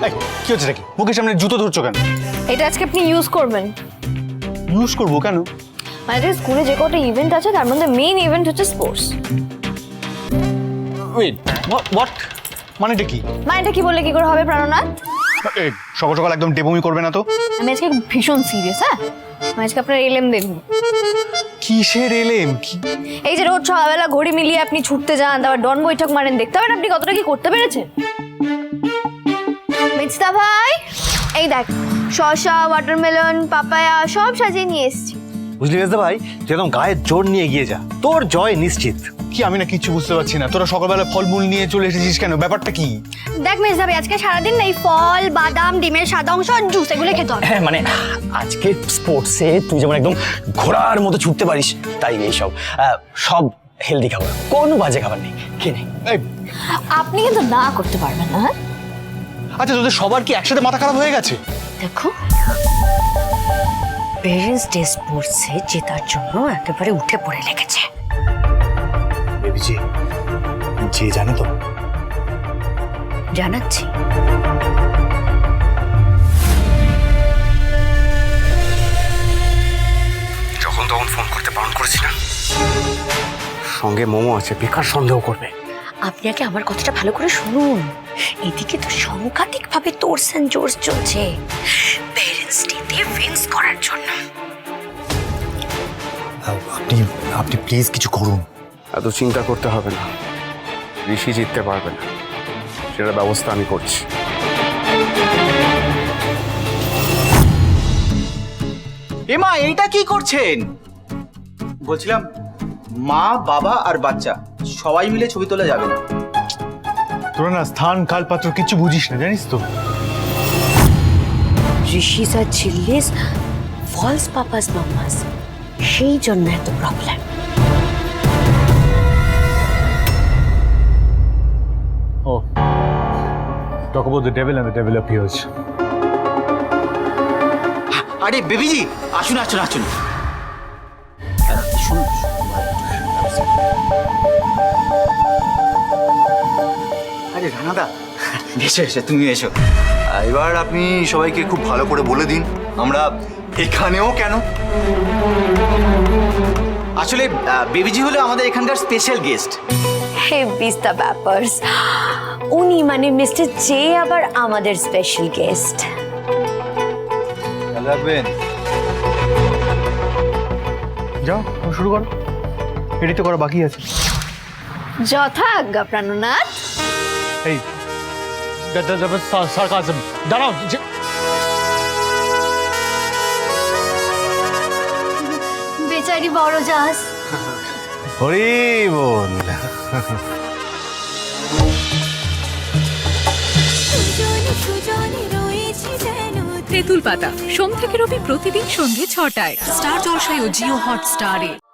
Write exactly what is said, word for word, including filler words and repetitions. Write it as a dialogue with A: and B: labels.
A: কি হচ্ছে নাকি? মুখের সামনে জুতো ধরছো কেন?
B: এটা আজকে আপনি ইউজ করবেন।
A: ইউজ করবো কেন?
B: মানে স্কুলে যে কটা ইভেন্ট আছে তার মধ্যে মেইন ইভেন্ট হচ্ছে স্পোর্টস।
A: Wait, what? মানেটা কি?
B: মানেটা কি বললে কি করে হবে প্রাণনাথ?
A: এই, সকাল সকাল একদম ডেবমি করবে না তো।
B: আমি আজকে ভীষণ সিরিয়াস। হ্যাঁ, আমি আজকে আপনার এলএম দেখবো।
A: কিসের এলএম? কি?
B: এই যে রোজ সকালবেলা ঘড়ি মিলিয়ে আপনি ছুটতে যান, তারপর ডন বৈঠক মারেন, দেখতে পারেন আপনি কতটা কি করতে পেরেছেন। মিস্তা ভাই, এই দেখ শসা, ওয়াটারমেলন, পাপায়া সব সাজিয়ে নিয়ে এসেছি।
C: বুঝলি মেজদা ভাই, তুই একদম গায়ের জোর নিয়ে এগিয়ে যা, তোর জয় নিশ্চিত।
A: কি আমি না কিছু বুঝতে পারছি না, তোরা সকালবেলা ফলমূল নিয়ে চলে এসেছিস কেন? ব্যাপারটা কি?
B: দেখ মিস্তা ভাই, আজকে সারাদিন না এই ফল, বাদাম, ডিমের সাদা অংশ আর জুস এগুলো খেতে হবে।
C: হ্যাঁ মানে আজকে স্পোর্টসে তুই যেমন একদম ঘোড়ার মতো ছুটতে পারিস, তাই এইসব আহ, সব হেলদি খাবার, কোনো বাজে খাবার নেই, খেয়ে নে।
A: এই,
B: আপনি কিন্তু না করতে পারবেন না। হ্যাঁ
A: আচ্ছা তোদের সবার কি একসাথে মাথা খারাপ হয়ে গেছে?
D: দেখো, পেরেন্টস ডে স্পোর্টসে জেতার জন্য একেবারে উঠে পড়ে লেগেছে।
C: বেবিজি, যে জানে তো।
D: জানাচ্ছি,
C: যখন তখন ফোন করতে বারণ করেছি না, সঙ্গে মোমো আছে, বেকার সন্দেহ করবে।
D: আপনি আগে আমার কথাটা ভালো করে শুনুন। এদিকে তো সাংঘাতিক ভাবে তোরস এন্ড জোর্স চলছে পেরেন্টস ডেতে উইন্স করার জন্য।
C: আপনি আপনি প্লিজ কিছু করুন।
E: এত চিন্তা করতে হবে না, ঋষি জিততে পারবে না, সেটার ব্যবস্থা আমি করছি।
F: এমা এইটা কি করছেন? বলছিলাম মা, বাবা আর বাচ্চা সবাই মিলে ছবি তোলা যাবে না।
A: তোরা না স্থান কাল পাত্র কিছু বুঝিস না, জানিস তো।
D: ঋষিস আর ঝিল্লিস ফলস পাপাস মামাস, সেই জন্য এত problem.
A: Oh, talk about the devil and the devil appears.
F: আরে বেবিজি, আসুন আসুন আসুন। শুনুন, আরে রানাদা, এসো এসো, তুমি এসো। এবার আপনি সবাইকে খুব ভালো করে বলে দিন আমরা এখানেও কেন। আসলে বেবিজি হলো আমাদের এখানকার স্পেশাল গেস্ট।
D: হে বিস্তা ব্যাপার্স, উনি মানে মিস্টার জে আবার আমাদের স্পেশাল গেস্ট।
F: ভালো রাখবেন।
A: যাও শুরু করো, এডিট করা বাকি আছে।
B: যথাজ্ঞা প্রাণনাথ।
A: এই সার্কাজম, দাঁড়াও।
B: বেচারি বড় জাহাজ।
A: হরি বল।
G: তেঁতুল পাতা সোম থেকে রবি প্রতিদিন সন্ধ্যে ছটায় স্টার জলসায় ও জিও হটস্টারে।